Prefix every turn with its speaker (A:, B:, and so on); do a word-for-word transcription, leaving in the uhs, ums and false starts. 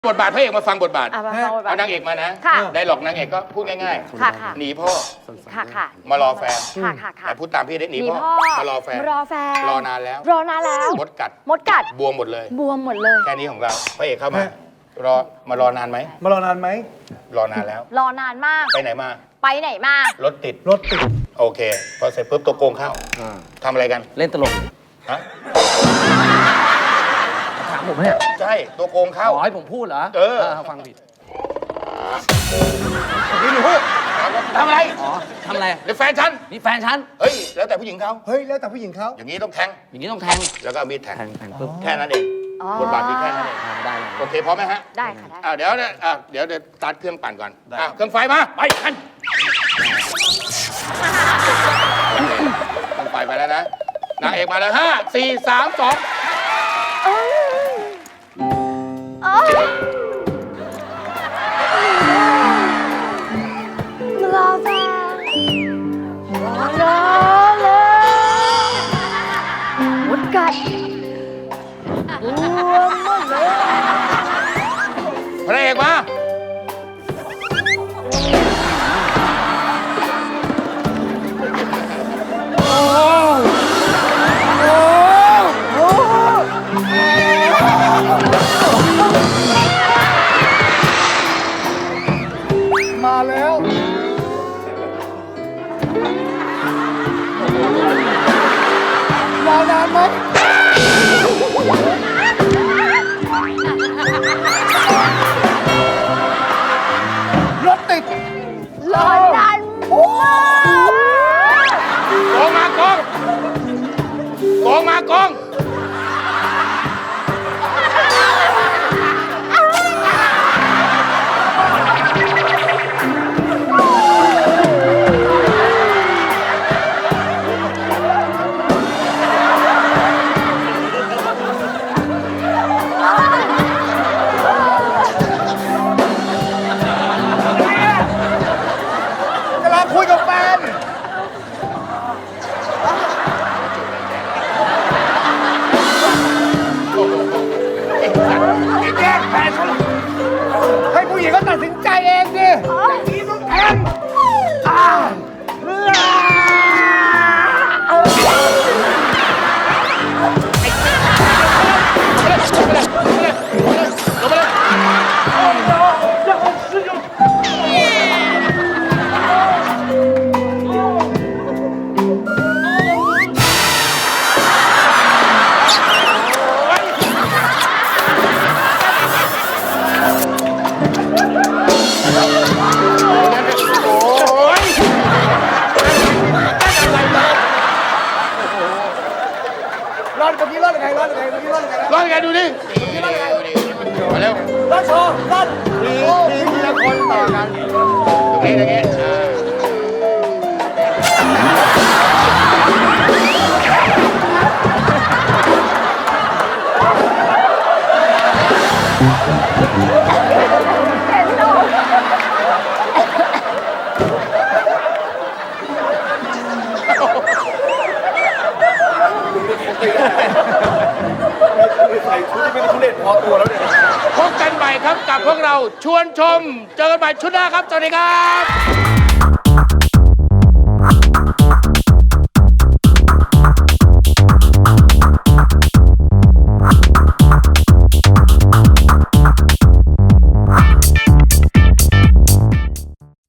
A: บทบาทพระเอกมาฟังบทบาท
B: อ่ะมาฟังบทบาท
A: เอานางเอกมานะ
B: ค่ะ
A: ได้หลอกนางเอกก็พูดง่าย
B: ค่ะค่ะ
A: ๆหนีพ่อ
B: ค่ะค่ะ
A: มารอแฟน
B: ค่ะค่ะค่ะ
A: แต่พูดตามพี่ได้หนี
B: หนี
A: พ่อ
B: พ่อ
A: มารอแฟน
B: รอแฟน
A: รอนานแล้ว
B: รอนานแล้ว
A: มดกัด
B: มดกัด
A: บวมหมดเลย
B: บวมหมดเลย
A: แค่นี้ของเราพระเอกเข้ามารอมารอนานไหม
C: มารอนานไหม
A: รอนานแล้ว
B: รอนานมาก
A: ไปไหนมา
B: ไปไหนมา
A: รถติด
C: รถติด
A: โอเคพอเสร็จปุ๊บตัวโกงเข้าทำอะไรกัน
D: เล่นตลก
A: ฮะ
D: ถามผมเนี่ย
A: ใช่ตัวโกงเข้า
D: ขอให้ผมพูดเหรอ
A: เออ
D: ฟังผิด
A: นี่หนูถามว่าทำอะไร
D: อ๋อทำอะไร
A: ในแฟนฉัน
D: นี่แฟนฉัน
A: เฮ้ยแล้วแต่ผู้หญิงเขา
C: เฮ้ย แล้วแต่ผู้หญิงเขา
A: อย่างนี้ต้องแทง
D: อย่างนี้ต้องแทง
A: แล้วก็เอามีดแทง
D: แทงแทงปุ๊บ
A: แค่นั้นเอง
B: อ๋อ
A: บทบาทมีแค่นั้นเอง
D: ได้เลย
A: โอเคพร้อมไหมฮะ
B: ได้ค่ะได้
A: อ่าเดี๋ยวเนี่ยอ่าเดี๋ยวเดี๋ยวตัดเครื่องปั่นก่อนอ่าเครื่องไฟมาไปกันโอเคเครื่องไฟไปแล้วนะนางเอกมาแล้วห้าสี่สามสอง
B: เอ้ยเอ้ยรอแฟนรอรอเลยมดกัดบวมหมดเลย
A: พระเอกมา
C: มาแล้วรอนานไหมรถติด
B: รอนานมาก
A: โกงมากองโกงมากอง
C: กำลังคุยกับแฟน
A: แย่งแฟนเขาเลย
C: ให้ผู้หญิงก็ตัดสินใจเองดิอย่างนี้ต้องแทงอ่าเลือรอดเมื่อกี้รอดยังไงรอดยังไงเมื่อกี้รอดยังไงนะ
A: รอดไงดูดิมาเร็ว
C: รอดโชว์รอดทีทีละคนต่อกัน
A: ตรงนี้ตรงนี้อ่า
B: เห็นหนู
C: ใส่ชุดที่เป็นทุเรศพอตัวแล้วเนี่ย
A: พบกันใหม่ครับกับพวกเราชวนชม เจอกันใหม่ชุดหน้าครับ สวัสดีครับ